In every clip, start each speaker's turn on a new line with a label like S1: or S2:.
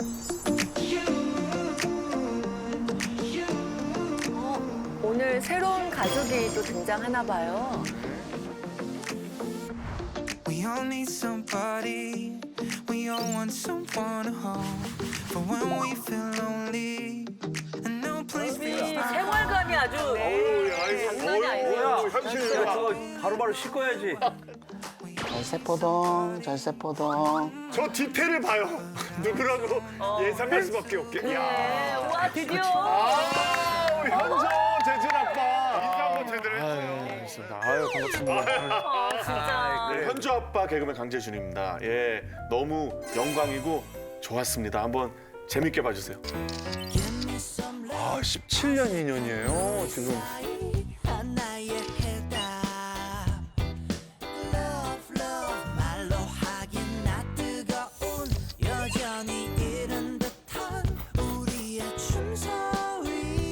S1: 오늘 새로운 가족이 또 등장하나 봐요.
S2: We all need somebody. We all want someone to hold. But when we feel lonely, and no place
S1: 이
S2: feels right.
S1: 생활감이 아주 장난이 아니네요.
S3: 현실이야. 저거 바로바로 씻어야지.
S4: 절세포동, 절세포동.
S5: 저 디테일을 봐요. 누구라고 예상할 수밖에 없게.
S1: 네, 와 드디어.
S5: 우리 현정 재진 아빠 인사 한번 제대로 해주세요. 알겠습니다. 아유 반갑습니다.
S1: 진짜.
S5: 네, 현주 아빠 개그맨 강재준입니다. 예, 너무 영광이고 좋았습니다. 한번 재밌게 봐주세요. 아, 17년 인연이에요 지금.
S2: 나의 해답. Love, love, 말로 하긴 나 뜨거운 여전히 이른 듯한 우리의 춤소리.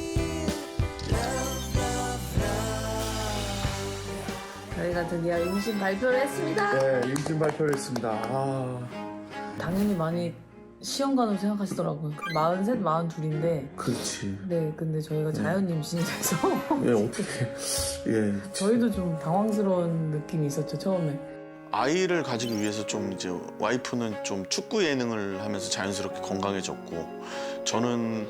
S2: Love, love, love.
S6: 저희가 드디어 임신 발표를 했습니다.
S5: 네, 임신 발표를 했습니다.
S6: 당연히 많이 시험관으로 생각하시더라고요. 43, 42인데.
S7: 그렇지.
S6: 네, 근데 저희가 자연 임신이 돼서
S7: 예, 어떻게. 예.
S6: 저희도 좀 당황스러운 느낌이 있었죠, 처음에.
S8: 아이를 가지기 위해서 좀 이제 와이프는 좀 축구 예능을 하면서 자연스럽게 건강해졌고 저는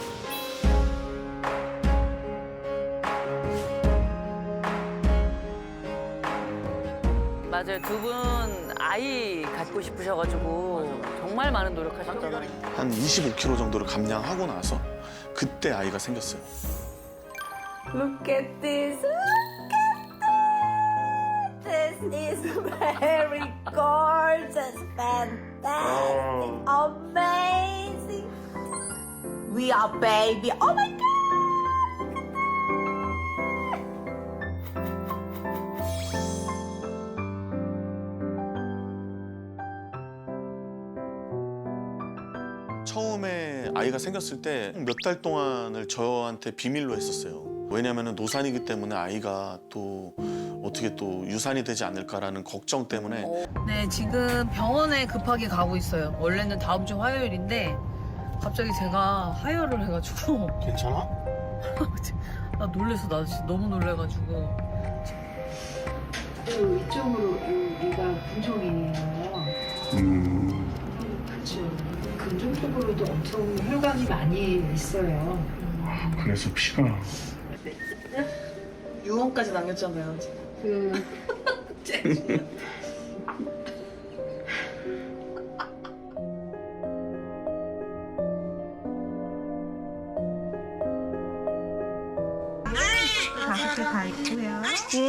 S1: 맞아요. 두 분 아이 갖고 싶으셔가지고 정말 많은 노력하셨잖아요.
S8: 한 25kg 정도를 감량하고 나서 그때 아이가 생겼어요.
S6: Look at this, look at this. This is very gorgeous, fantastic, amazing. We are baby. Oh my God.
S8: 처음에 아이가 생겼을 때 몇 달 동안을 저한테 비밀로 했었어요. 왜냐하면 노산이기 때문에 아이가 또 어떻게 또 유산이 되지 않을까라는 걱정 때문에
S6: 네, 지금 병원에 급하게 가고 있어요. 원래는 다음 주 화요일인데 갑자기 제가 하혈을 해가지고
S5: 괜찮아?
S6: 나 놀래서 나 진짜 너무 놀래가지고
S9: 이쪽으로 여기가 근종이에요. 그렇죠. 근종 쪽으로도 엄청 혈관이 많이 있어요.
S5: 그래서 피가.
S6: 유언까지 남겼잖아요.
S9: 그 다섯 개 다 있고요.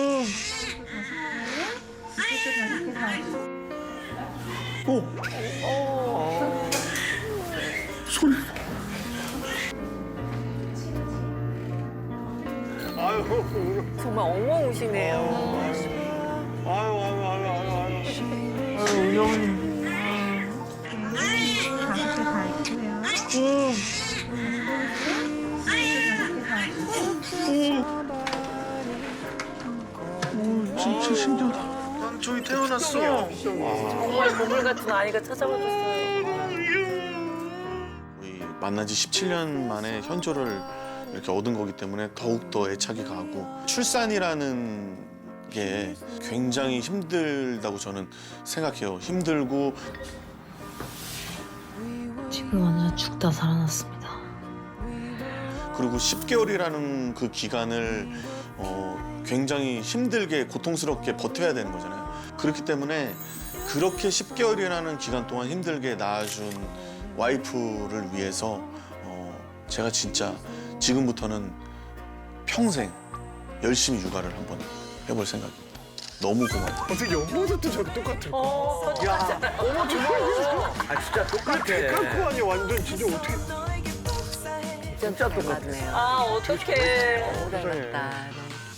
S5: 아유,
S1: 정말 엉엉 우시네요.
S5: 아유.
S9: 다섯 개 다 있고요.
S8: 진짜 신기하다. 난 저기 태어났어.
S1: 정말 보물 같은 아이가 찾아와줬어요.
S8: 우리 만난 지 17년 만에 현조를 이렇게 얻은 거기 때문에 더욱더 애착이 가고 출산이라는 게 굉장히 힘들다고 저는 생각해요. 힘들고
S6: 지금 완전 죽다 살아났습니다.
S8: 그리고 10개월이라는 그 기간을 굉장히 힘들게 고통스럽게 버텨야 되는 거잖아요. 그렇기 때문에 그렇게 10개월이라는 기간 동안 힘들게 낳아준 와이프를 위해서 제가 진짜 지금부터는 평생 열심히 육아를 한번 해볼 생각입니다. 너무 고마워요.
S5: 어떻게 옆모습도 저렇게 똑같아.
S1: 똑같잖아요.
S5: 어머 정말.
S3: 아, 진짜 똑같아.
S5: 데칼코 아니야 완전 진짜 어떻게.
S1: 진짜 똑같네요. 아, 어떡해. 너무 닮았다.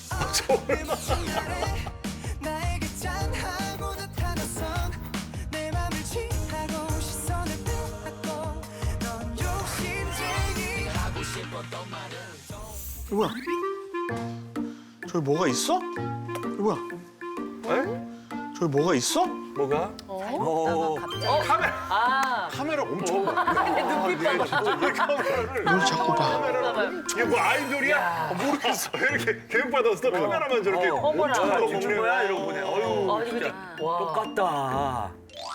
S2: 나에게 짠하고 나타나선 내 맘을 취하고 시선을 빼앗고 넌 욕심쟁이 하고 싶었던 말을
S8: 이거 뭐야? 저기 뭐가 있어? 이거 뭐야? 저기 뭐가 있어?
S5: 뭐가?
S1: 갑자기.
S5: 카메라.
S1: 아,
S5: 카메라 엄청 많아.
S1: 근데
S8: 뭘 자꾸 봐.
S5: 이게 뭐 아이돌이야? 모르겠어. 이렇게 교육받았어. 카메라만 저렇게
S1: 어머나.
S5: 엄청
S3: 주는
S5: 먹는
S3: 거야 이러고 보네. 어유
S1: 아니, 근데, 와.
S3: 똑같다.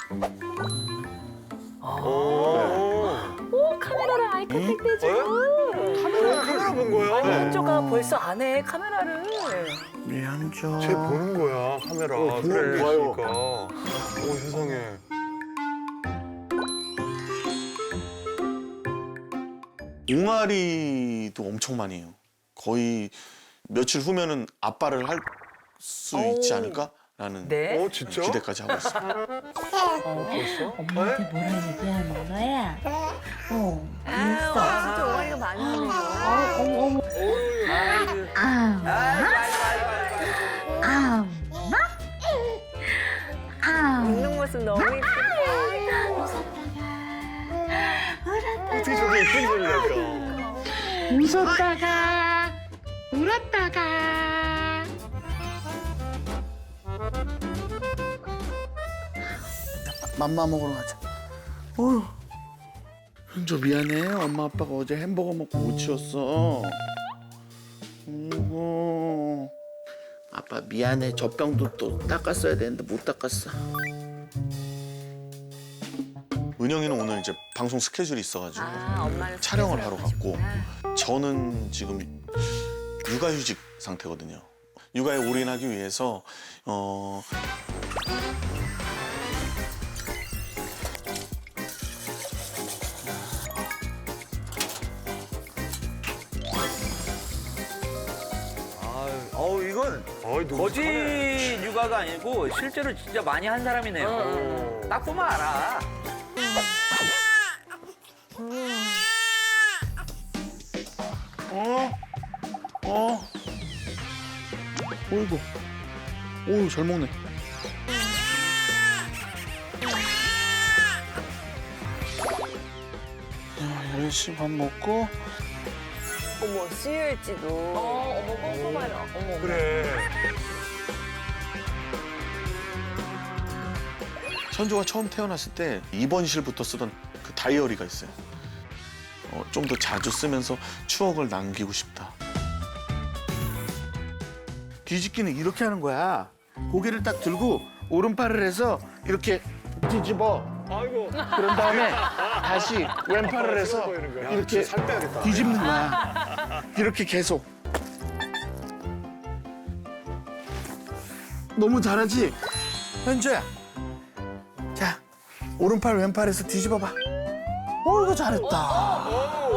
S1: 오, 카메라를 아이 컨택트
S5: 카메라 본 거야?
S1: 현조가 벌써 안 해, 카메라를.
S8: 미안죠.
S5: 쟤 보는 거야, 카메라. 그래,
S8: 봐요.
S5: 그러니까. 오, 세상에.
S8: 옹알이도 엄청 많이 해요. 거의 며칠 후면은 아빠를 할 수 있지 않을까라는
S1: 네?
S5: 어, 진짜?
S8: 기대까지 하고 있어요.
S10: 엄마한테 뭐라 얘기하는 거야?
S1: 진짜 옹알이가 많이 하네.
S10: 어머.
S1: 웃는 모습 너무 예쁘다.
S5: 어떻게 저렇게 이쁜 소리 날까?
S10: 웃었다가 울었다가
S8: 맘마 먹으러 가자. 현조 미안해. 엄마 아빠가 어제 햄버거 먹고 못 치웠어. 아빠 미안해. 젖병도 또 닦았어야 되는데 못 닦았어. 은영이는 오늘 이제 방송 스케줄이 있어가지고
S1: 엄마는
S8: 촬영을 하러 갔고 저는 지금 육아휴직 상태거든요. 육아에 올인하기 위해서
S3: 이건
S5: 어이, 너무
S3: 거짓
S5: 착하네.
S3: 육아가 아니고 실제로 진짜 많이 한 사람이네요. 딱 보면 알아.
S8: 어이구. 오우, 잘 먹네. 야, 10시 밥 먹고
S1: 어머, 수유일지도. 어머, 꼼꼼하다. 어머.
S5: 그래.
S8: 현조가 처음 태어났을 때 입원실부터 쓰던 그 다이어리가 있어요. 좀 더 자주 쓰면서 추억을 남기고 싶다. 뒤집기는 이렇게 하는 거야. 고개를 딱 들고 오른팔을 해서 이렇게 뒤집어.
S5: 아이고.
S8: 그런 다음에 다시 왼팔을 해서 이렇게
S5: 살 빼야겠다.
S8: 뒤집는 거야. 이렇게 계속. 너무 잘하지? 현주야. 자, 오른팔 왼팔에서 뒤집어봐. 이거 잘했다.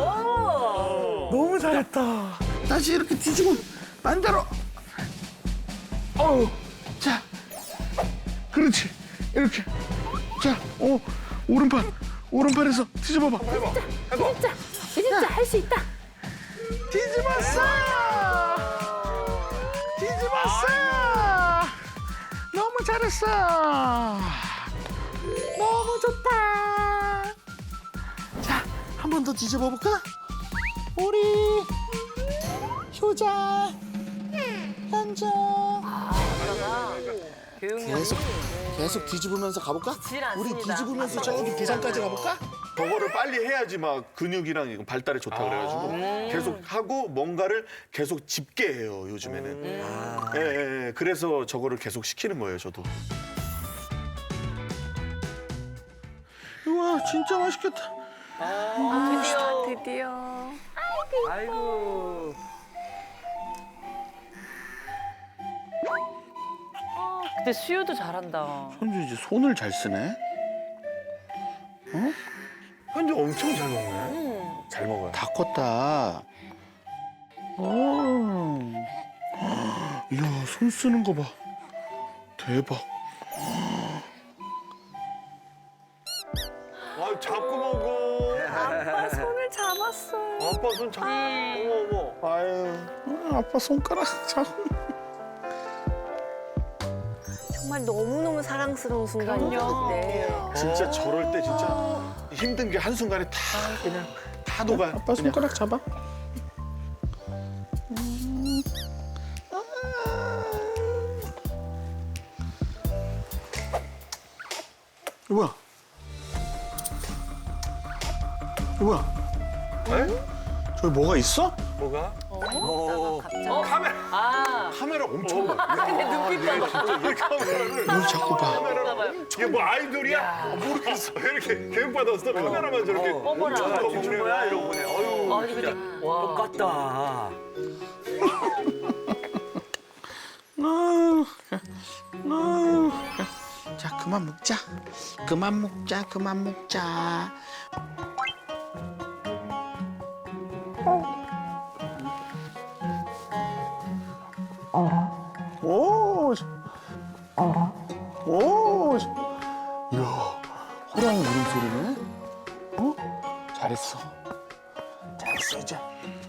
S8: 너무 잘했다. 다시 이렇게 뒤집어 반대로. 자, 그렇지. 이렇게. 자, 오른팔에서 뒤집어봐.
S1: 진짜 할 수 있다.
S8: 뒤집었어! 뒤집었어! 너무 잘했어! 너무 좋다! 자, 한 번 더 뒤집어 볼까? 우리 효자, 현자.
S1: 교육력이.
S8: 계속 뒤집으면서 가볼까?
S1: 질 않습니다.
S8: 우리 뒤집으면서 저기 부산까지 가볼까?
S5: 저거를 빨리 해야지 막 근육이랑 이거 발달에 좋다 그래가지고 계속 하고 뭔가를 계속 짚게 해요 요즘에는. 예. 그래서 저거를 계속 시키는 거예요 저도.
S8: 우와, 진짜 맛있겠다.
S1: 드디어.
S3: 아이고.
S1: 근데 수유도 잘한다.
S8: 현주 이제 손을 잘 쓰네.
S5: 현주 엄청 잘 먹네. 잘 먹어요.
S8: 다 컸다. 이야, 손 쓰는 거 봐. 대박.
S5: 아 잡고 먹어.
S1: 아빠 손을 잡았어.
S5: 아빠 손 잡고. 어머 어머.
S8: 아유, 아빠 손가락 잡고.
S1: 정말 너무너무 사랑스러운 순간이죠, 그때.
S5: 진짜 저럴 때 진짜 힘든 게 한순간에 다 그냥 다 녹아요.
S8: 아빠 손가락 잡아. 이거 뭐야? 뭐야? 저기 뭐가 있어?
S5: 뭐가?
S1: 카메라. 아,
S5: 카메라 엄청 봐.
S1: 근데 눈빛 봐봐.
S5: 이 카메라를
S8: 뭘 자꾸 봐?
S5: 이게 뭐 아이돌이야? 모르겠어. 이렇게 교육받았어. 카메라만 저렇게
S1: 어머나.
S5: 엄청 보는 거야 이러고 보네. 어휴.
S1: 아니 근데 와.
S3: 똑같다.
S8: 자, 그만 먹자. 그만 먹자. 그만 먹자. 오. 오. 이야, 호랑이 울음소리네. 어? 잘했어. 잘했어 이제.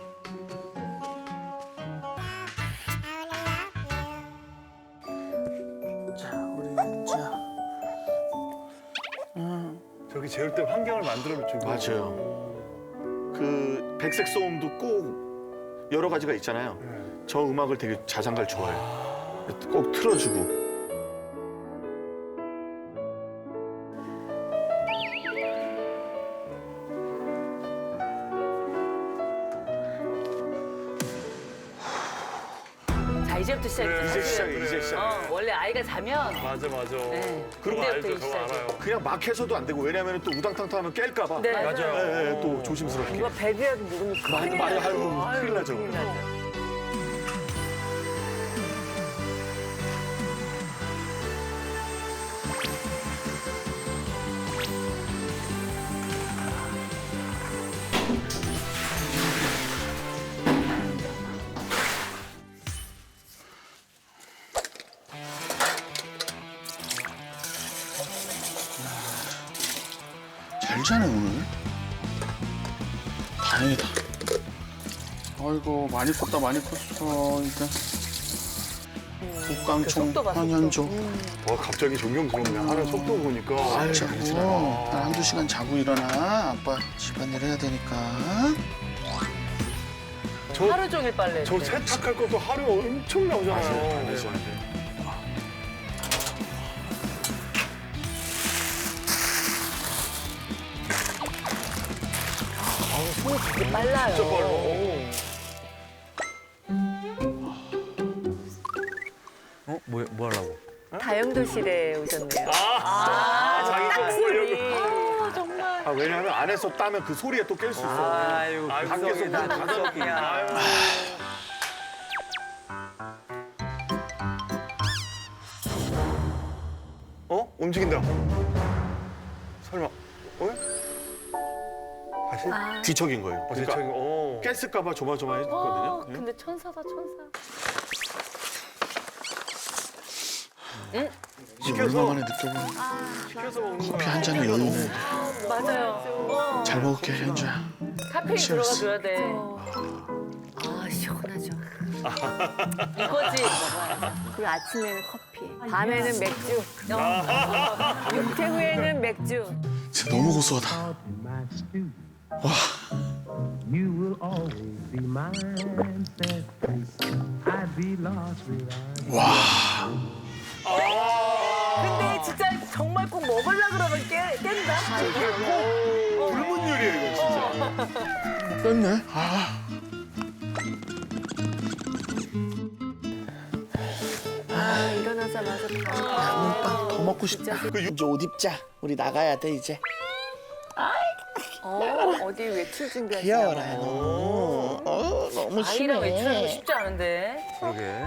S8: 자, 우리 현지야.
S5: 저기 재울 때 환경을 만들어주고.
S8: 맞아요. 그 백색 소음도 꼭 여러 가지가 있잖아요. 저 음악을 되게 자장가를 좋아해요. 꼭 틀어주고.
S1: 자 이제부터 시작이죠.
S5: 이제 시작이야.
S1: 사실은.
S5: 이제 시작.
S1: 원래 아이가 자면
S5: 맞아.
S1: 네,
S5: 그런 거
S1: 그때부터
S5: 알죠. 저
S1: 시작이죠.
S5: 알아요.
S8: 그냥 막 해서도 안 되고 왜냐하면 또 우당탕탕하면 깰까봐.
S1: 네,
S5: 맞아요.
S8: 예, 예, 또 조심스럽게.
S1: 누가 베개라도 누르면 큰일
S8: 많이
S1: 나죠.
S8: 아유, 큰일 나죠.
S1: 큰일 나죠.
S8: 잘 자네 오늘. 다행이다. 아이고 많이 컸다 많이 컸어. 일단 국강총
S1: 속도 봐, 속도.
S8: 현현조.
S5: 와 갑자기 존경스럽네. 하는 속도 보니까.
S8: 자고 한 2시간 자고 일어나. 아빠 집안일 해야 되니까.
S1: 하루 종일 빨래.
S5: 저 세탁할 것도 하루 엄청 나오잖아요.
S8: 맞아요.
S1: 손이 되게 빨라요.
S5: 진짜 빨라.
S3: 뭐 하려고?
S1: 다용도실에 오셨네요.
S5: 자기 거 보려고.
S1: 아, 정말.
S8: 아, 왜냐하면 안에서 따면 그 소리에 또 깰 수 있어.
S3: 아유,
S5: 밖에서 문
S3: 닫아놓기야.
S5: 어? 움직인다. 설마. 어? 다시?
S8: 뒤척인 거예요.
S5: 제
S8: 그러니까
S5: 책임.
S8: 깼을까봐 조마조마했거든요. 예?
S1: 근데 천사다 천사.
S8: 이게
S5: 시켜서.
S8: 얼마만에 느껴보는
S5: 시켜서 먹는
S8: 커피
S5: 거야.
S8: 한 잔에 여유 있는데.
S1: 맞아요.
S8: 잘 먹을게 현주야.
S1: 카페인
S8: Cheers.
S1: 들어가줘야 돼. 아 시원하죠. 이거지.
S11: 그리고 아침에는 커피, 밤에는 맥주, 육퇴 후에는 맥주.
S8: 진짜 너무 고소하다.
S2: You will always be mine. I'd be lost without
S8: 와.
S1: 근데 진짜 정말 꼭 먹으려 그러면 깬다.
S5: 불문 요리야 이거 진짜.
S8: 뺐네. 아.
S11: 아, 일어나자마자
S8: 빵 더 먹고 싶다. 그 이제 옷 입자. 우리 나가야 돼 이제.
S11: 어디 외출 준비하시나
S8: 귀여워라
S11: 봐요.
S8: 너. 너무
S1: 아이랑 외출하는 거 쉽지 않은데.
S3: 그러게.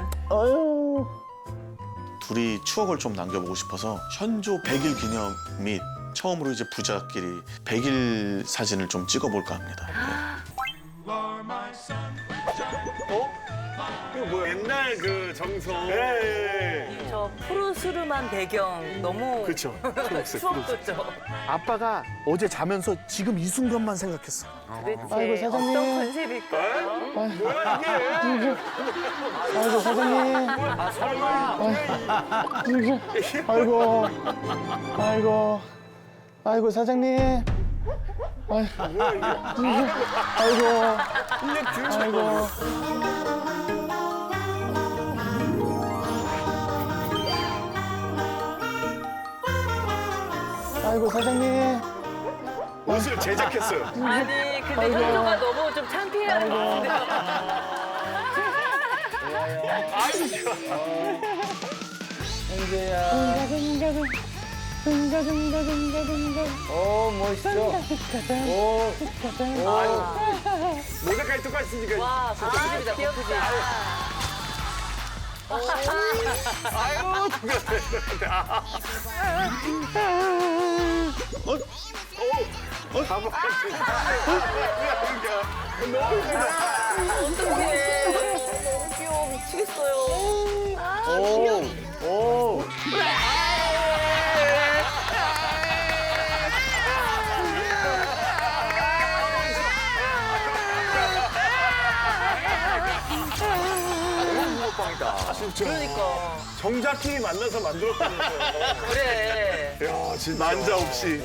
S8: 둘이 추억을 좀 남겨보고 싶어서 현조 100일 기념 및 처음으로 이제 부자끼리 100일 사진을 좀 찍어볼까 합니다.
S5: 이거 뭐야? 옛날 그 정성. 예.
S1: 저 푸르스름한 배경 너무
S8: 그렇죠.
S1: 추억 돋죠.
S8: 아빠가 어제 자면서 지금 이 순간만 생각했어.
S1: 도대체
S8: 아이고, 사장님.
S1: 어떤 컨셉일까요?
S5: 뭐야 이게?
S8: 아이고 사장님.
S3: 아, 설마.
S8: 아이고. 아이고. 아이고 사장님. 아이고. 아이고. 아이고 사장님.
S5: 옷을 제작했어요.
S1: 아니 근데 현주가 너무 좀 창피해하는 것 같은데요.
S5: 모자까지 똑같이 쓰니까.
S1: 와 고급집이다 고급집.
S5: 아유,
S1: 너무 귀여워 미치겠어요. 그러니까
S5: 정자끼리 만나서 만들었다면서요.
S1: 그래.
S5: 야, 진짜. 난자 없이.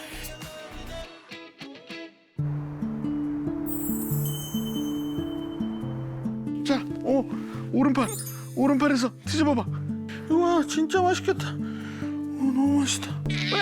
S8: 자, 오른팔에서 뒤집어봐. 우와, 진짜 맛있겠다. 너무 맛있다.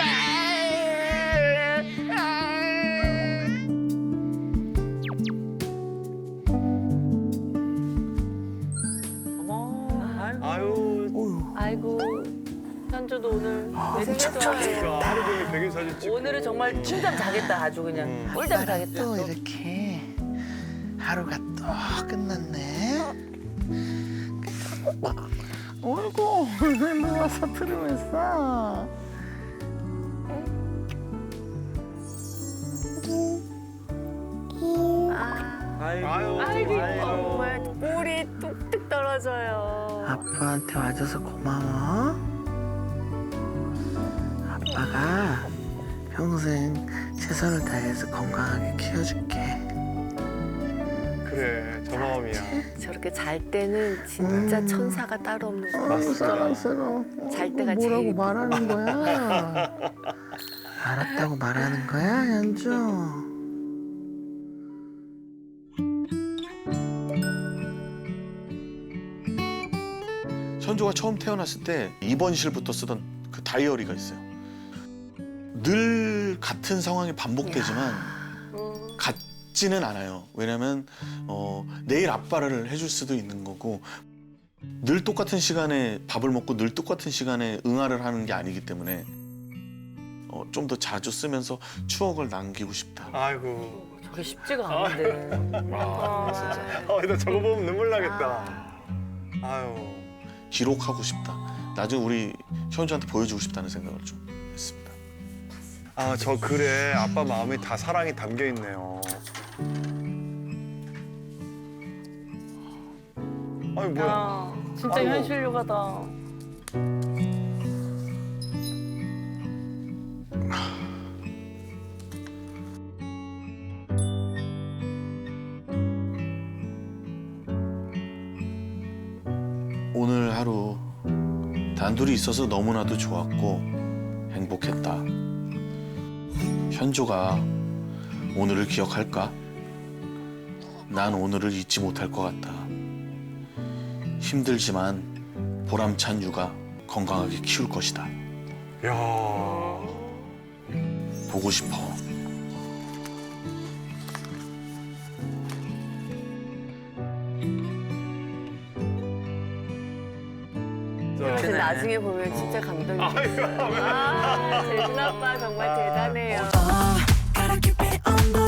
S1: 아이고 현주도 오늘 되게
S5: 하루 종일 백일 사진 찍고.
S1: 오늘은 정말 춤잠 자겠다 아주 그냥 꿀잠 자겠다.
S4: 또 이렇게 하루가 또 끝났네. 어이구, 왜 누워서 들으면서.
S11: 아이고 정말 꿀이 뚝뚝 떨어져요.
S4: 아빠한테 와줘서 고마워. 아빠가 평생 최선을 다해서 건강하게 키워줄게.
S5: 그래, 저 마음이야.
S11: 저렇게 잘 때는 진짜 천사가 따로 없는 거 같아요.
S4: 사랑스러워.
S11: 잘 때가
S4: 뭐라고
S11: 제일
S4: 말하는 거야? 알았다고 말하는 거야, 현주?
S8: 현주가 처음 태어났을 때 입원실부터 쓰던 그 다이어리가 있어요. 늘 같은 상황이 반복되지만 같지는 않아요. 왜냐면 내일 아빠를 해줄 수도 있는 거고 늘 똑같은 시간에 밥을 먹고 늘 똑같은 시간에 응아를 하는 게 아니기 때문에 좀 더 자주 쓰면서 추억을 남기고 싶다.
S5: 아이고.
S1: 저게 쉽지가 않은데.
S5: 나 저거 보면 눈물 나겠다. 아유.
S8: 기록하고 싶다. 나중에 우리 현주한테 보여주고 싶다는 생각을 좀 했습니다.
S5: 아, 저 글에 아빠 마음이 다 사랑이 담겨 있네요. 아니, 뭐야.
S1: 진짜
S5: 아이고.
S1: 현실 요가다.
S8: 오늘 하루 단둘이 있어서 너무나도 좋았고 행복했다. 현주가 오늘을 기억할까? 난 오늘을 잊지 못할 것 같다. 힘들지만 보람찬 육아 건강하게 키울 것이다.
S5: 야.
S8: 보고 싶어.
S11: 근데 나중에 보면 진짜 감동이겠어요. 재준 아빠 정말 대단해요.